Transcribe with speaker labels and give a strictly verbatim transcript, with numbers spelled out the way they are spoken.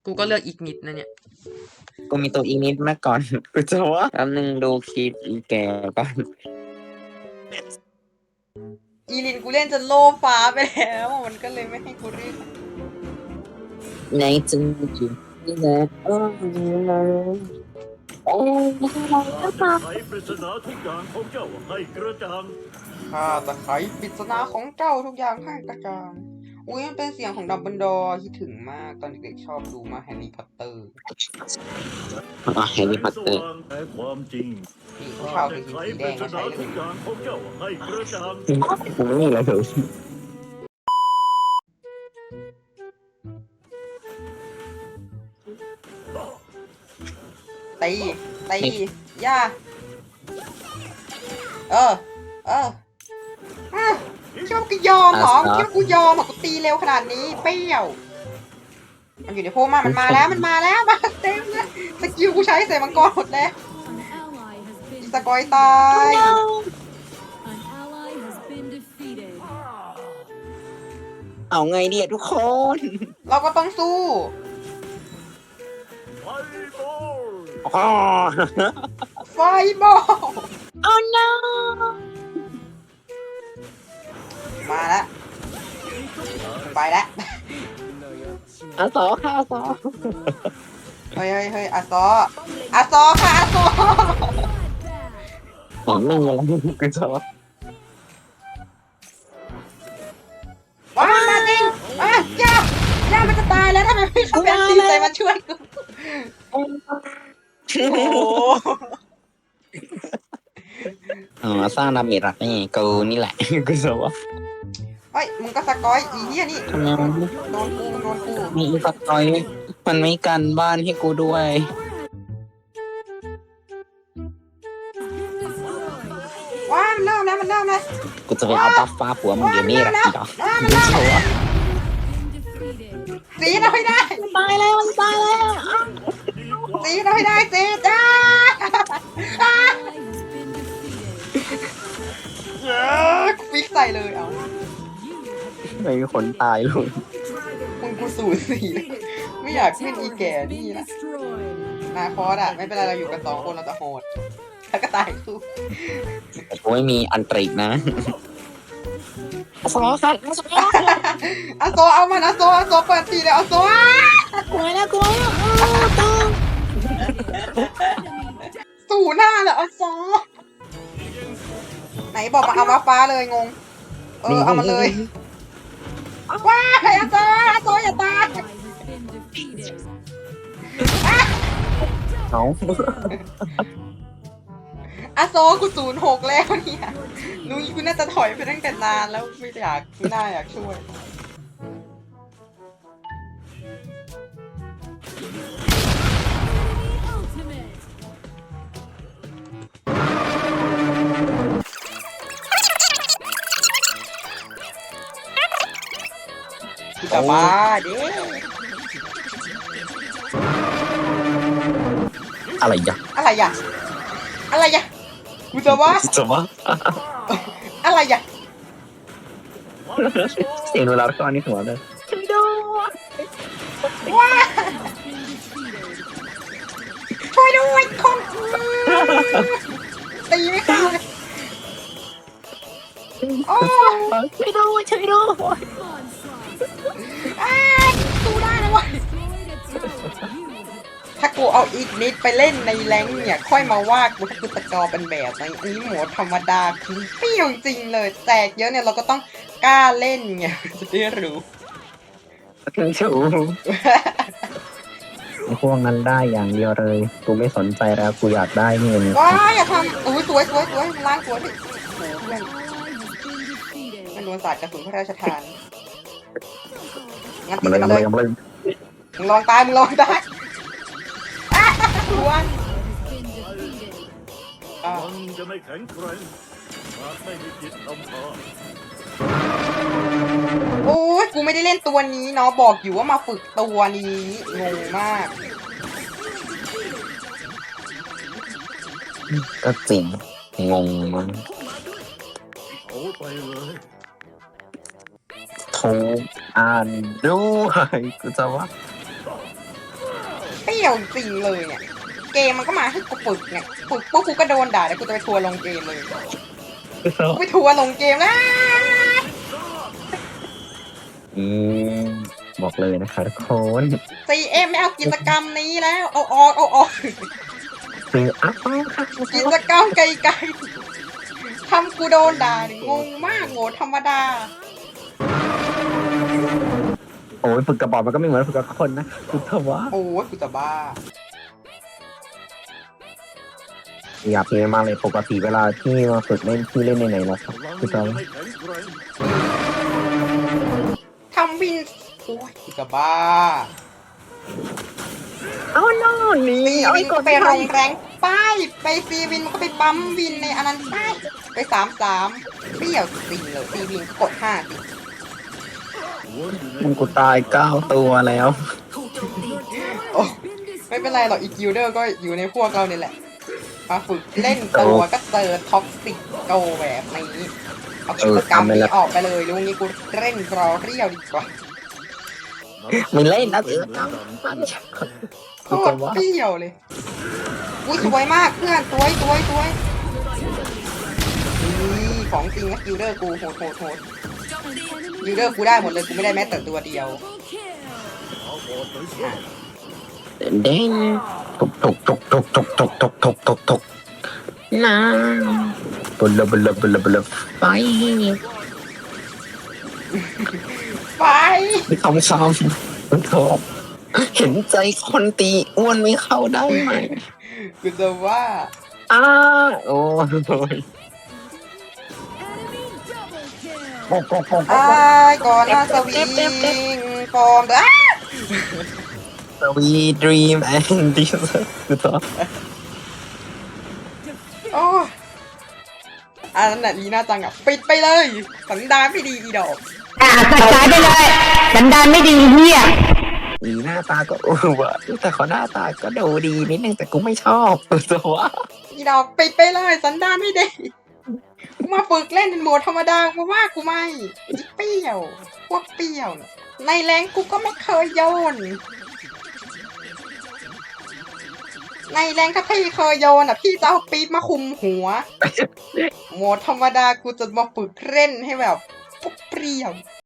Speaker 1: กูก็เลือกอีกนิดนะเนี่ย
Speaker 2: กูมีตัวอีนิดมาก่อนกูจะว่าแป๊บนึงดูคลิปอีแกก่อน
Speaker 1: อีลินกูเล่นจนโลฟ้าไปแล้วมันก็เลยไม่ให้กูเรียก
Speaker 2: ในจึงอยู่นี่แหละเออเออ
Speaker 3: ข้าจะไขปริศนาทุกอย่างของเจ้าให้กระจ่าง
Speaker 1: ข้าจะไขปริศนาของเจ้าทุกอย่างให้กระจ่างอุ้ยมันเป็นเสียงของดับเบิลดอร์คิดถึงมากตอนเด็กๆชอบดูมาแฮร์รี่พอตเตอร์
Speaker 2: อ๋อแฮร์รี่พอตเตอร์
Speaker 3: แต่ความจริง
Speaker 1: นี่ผู้
Speaker 3: ข้า
Speaker 1: ชาว
Speaker 3: จะ
Speaker 1: คือ
Speaker 3: ไข
Speaker 1: สี
Speaker 3: ป
Speaker 1: แด
Speaker 3: ริ
Speaker 1: ง
Speaker 3: ศ
Speaker 1: ก็
Speaker 3: นา
Speaker 1: ใช้เล
Speaker 3: ทุก
Speaker 1: ย
Speaker 3: อย่างของเจ้าให้กระจ่าง
Speaker 2: กูไม่มีอะไรเลย
Speaker 1: ตีตีย่าเออเอออ่ะคิดว่ากูยอมเหรอคิดว่ากูยอมเหรอกูตีเร็วขนาดนี้เปรี้ยวมันอยู่ในโพมามันมาแล้วมันมาแล้วมาเต็มเลยสกิลกูใช้ใส่มังกรหมดแล้วอีสกอยตาย
Speaker 2: เอาไงเนี่ยทุกคน
Speaker 1: เราก็ต้องสู้
Speaker 3: ไฟบอล
Speaker 2: อ๋อ
Speaker 1: ไฟบอล
Speaker 2: oh no
Speaker 1: มาแล้วไปแล้ว
Speaker 2: อาสอค่ะอาสอ
Speaker 1: เฮ้ยเฮ้ยเฮ้ยอาซออาซอค่ะอาซอ
Speaker 2: ผมไม่มีอะไรกูจะว่า
Speaker 1: ว้ามาจริงอ่ะย่าย่ามันจะตายแล้วทำไมไม่ทำแบบตีใจมาช่วยกูโอ้โห
Speaker 2: อ๋อสร้างดาเมจรักนี่กูนี่แหละกูจะว่า
Speaker 1: เฮ้ยมึงก็สกอยอีเหี้ยนี่
Speaker 2: ทำไมมัน
Speaker 1: โดนกูโดนกู
Speaker 2: มีอีฟักตอยมันไม่กันบ้านให้กูด้วย
Speaker 1: ว้ามันเริ่มแล้วมันเริ่มแล้ว
Speaker 2: กูจะไปเอาบัฟฟ้าผัวมึงเดี๋ยวนี้แหละอีดอก
Speaker 1: ว้ามัน
Speaker 2: กู
Speaker 1: เริ่ม
Speaker 2: จะว่า
Speaker 1: สีเราให้ได้
Speaker 2: ตายแล้วมันตายแล้ว
Speaker 1: สีเราให้ได้สีจ้าเออฟิกใส่เลยเอา
Speaker 2: ไม่มีคนตายเลย
Speaker 1: มึงกูสูสีเลยไม่อยากขึ้นอีแก่นี่นะนาคอสอะไม่เป็นไรเราอยู่กันสองคนเราจะโหดแล้วก็ตายคู่
Speaker 2: แต่กูไม่มีอันตริกนะสอค่ะสอ
Speaker 1: อาโซเอามันอาโซอาโซเปิดตีเลยอาโซ
Speaker 2: กลัวแล้วกลัวแล้ว
Speaker 1: สู่หน้าเลยอาโซไหนบอกมาเอามาฟ้าเลยงงเออเอามาเลยว้าไอ้อาโซอาโซอย่าตาย
Speaker 2: เขา
Speaker 1: อาโซกูศูนย์หกแล้วเนี่ยนุ้ยกูน่าจะถอยไปตั้งแต่นานแล้วไม่อยากไม่น่าอยากช่วยกูจะบ้าดิ
Speaker 2: อะไรอย่า
Speaker 1: อะไรอ่ะอะไรอ่ะกูจะว่า
Speaker 2: จะว่า
Speaker 1: อะไรอ่ะ
Speaker 2: เสียงเวลาเข้านี่หัวเลย
Speaker 1: ว้าช่วยด้วยคนตีไม่เข้าเลยโอ้
Speaker 2: ช่วยด้วยช่วยด้วย
Speaker 1: อ้าสู้ได้เลยวะถ้ากูเอาอีกนิดไปเล่นในแรงค์เนี่ยค่อยมาว่ากูกูตะกอเป็นแบบนี้อันนี้หมูธรรมดาคือเปรี้ยวจริงเลยแตกเยอะเนี่ยเราก็ต้องกล้าเล่นไงจะได้รู้
Speaker 2: ถึงชูพวกนั้นได้อย่างเดียวเลยกูไม่สนใจแล้วกูอยากได้เงิน
Speaker 1: ว้ายอย่าทำอุ้ยสวยสวยสวยล้างสวยดิโอ้โหเพื่อนมันโดนสาดกระสุนพระราชทานงั้นตี
Speaker 2: มันเลย
Speaker 1: มา
Speaker 2: มัน
Speaker 1: เล
Speaker 2: เลย ยมันเลย
Speaker 1: มึงลองตายมึงลองตายอ้าวดวน
Speaker 3: มันจะไม่แข็งแกร่งหากไม่มีจิตอำพา
Speaker 1: โอ้ยกูไม่ได้เล่นตัวนี้เนาะบอกอยู่ว่ามาฝึกตัวนี้งงมาก
Speaker 2: ก็จริงงงมั้ง
Speaker 3: เอาไปเลย
Speaker 2: ทุกอ่านด้วยกูจะว่า
Speaker 1: ยวจริงเลยเนี่ยเกมมันก็มาให้กูฝึกเนี่ยฝึกปุ๊บกูก็โดนด่าเดี๋ยวกูจะไปทัวร์ลงเกมเลยกูไปทัวร์ลงเกมแล้ว
Speaker 2: อืมบอกเลยนะคะทุกคน
Speaker 1: ซีเอ็มไม่เอากิจกรรมนี้แล้วเอาออกเอาออก
Speaker 2: ซื้ออัพค่ะ
Speaker 1: กิจกรรมไกลๆทำกูโดนด่าเนี่ยงงมากโง่ธรรมดา
Speaker 2: โอ้ยฝึกกระบอกมันก็ไม่เหมือนฝึกกับคนนะกูเถอะวะ
Speaker 1: โอ้ยกูจะบ้า
Speaker 2: อยากเล่นมากเลยปกติเวลาที่มาฝึกเล่นที่เล่นในไหนแล้วครับ
Speaker 3: พลัง
Speaker 2: กูจะ
Speaker 3: ยังไม่แข็งแกร่ง
Speaker 1: ทำวินโอ้ยกูจะบ้า
Speaker 2: เอาโน่นนี่
Speaker 1: ซี
Speaker 2: เอา
Speaker 1: วิ
Speaker 2: ไอ้
Speaker 1: น
Speaker 2: ก
Speaker 1: ก็
Speaker 2: ด
Speaker 1: ไปโรงแรงป้ายไปซีวินมันก็ไปปั๊มวินในอันนั้นป้ายไปสามสามเปรี้ยวจริงเลยซีวินก็กดห้าสิ
Speaker 2: มันกูตายเก้าตัวแล้ว
Speaker 1: โอ้ไม่เป็นไรหรอกอีกิลเดอร์ก็อยู่ในพวกเราเนี่ยแหละมาฝึกเล่นตัวก็เจอท็อกซิกโกแบบนี้เอากิจกรรมนี้ออกไปเลยลุงนี้กูเล่นรอเรียวดีกว่า
Speaker 2: มึงเล่นนะเออ
Speaker 1: โคตรเปรี้ยวเลยอุ้ยสวยมากเพื่อนสวยสวยสวยนี่ของจริงนะกิลเดอร์กูโหดโหดโหดกิลเดอร์กูได้หมดเลยกูไม่ได้แม้แต่ตัวเดียว
Speaker 2: เด้งตุกตุกตุกตุกตุกตุกตุกตุกตุกตุกน้ำบุลบุลบุลบุลไป
Speaker 1: ไป
Speaker 2: ไม่คำซ้ำโถเห็นใจคนตีอ้วนไม่เข้าได้ไหม
Speaker 1: กูจะว่า
Speaker 2: อ้าโอ้ย
Speaker 1: ไอ้ายก่อนหน้าสวิงฟอร์มอ้า
Speaker 2: สวีดรีมแอนดิสคือต่อ
Speaker 1: โอ้ยอันนั้นน่ะลีน่าจังอ่ะปิดไปเลยสันดานไม่ดีอีดอก
Speaker 4: อ่ะตัดสายไปเลยสันดานไม่ดีเฮีย
Speaker 2: มีหน้าตาก็เออวะแต่เขาหน้าตาก็ดูดีนิดนึงแต่กูไม่ชอบตัววะ
Speaker 1: อีดอกปิดไปเลยสันดานไม่ดีกูมาฝึกเล่นเป็นโหมดธรรมดากูว่ากูไม่อีเปรี้ยวพวกเปรี้ยวน่ะในแรงกูก็ไม่เคยโยน ในแรงถ้าพี่เคยโยนอ่ะพี่จะเอาปี๊บมาคุมหัวโหมดธรรมดากูจะมาฝึกเล่นให้แบบพวกเปรี้ยว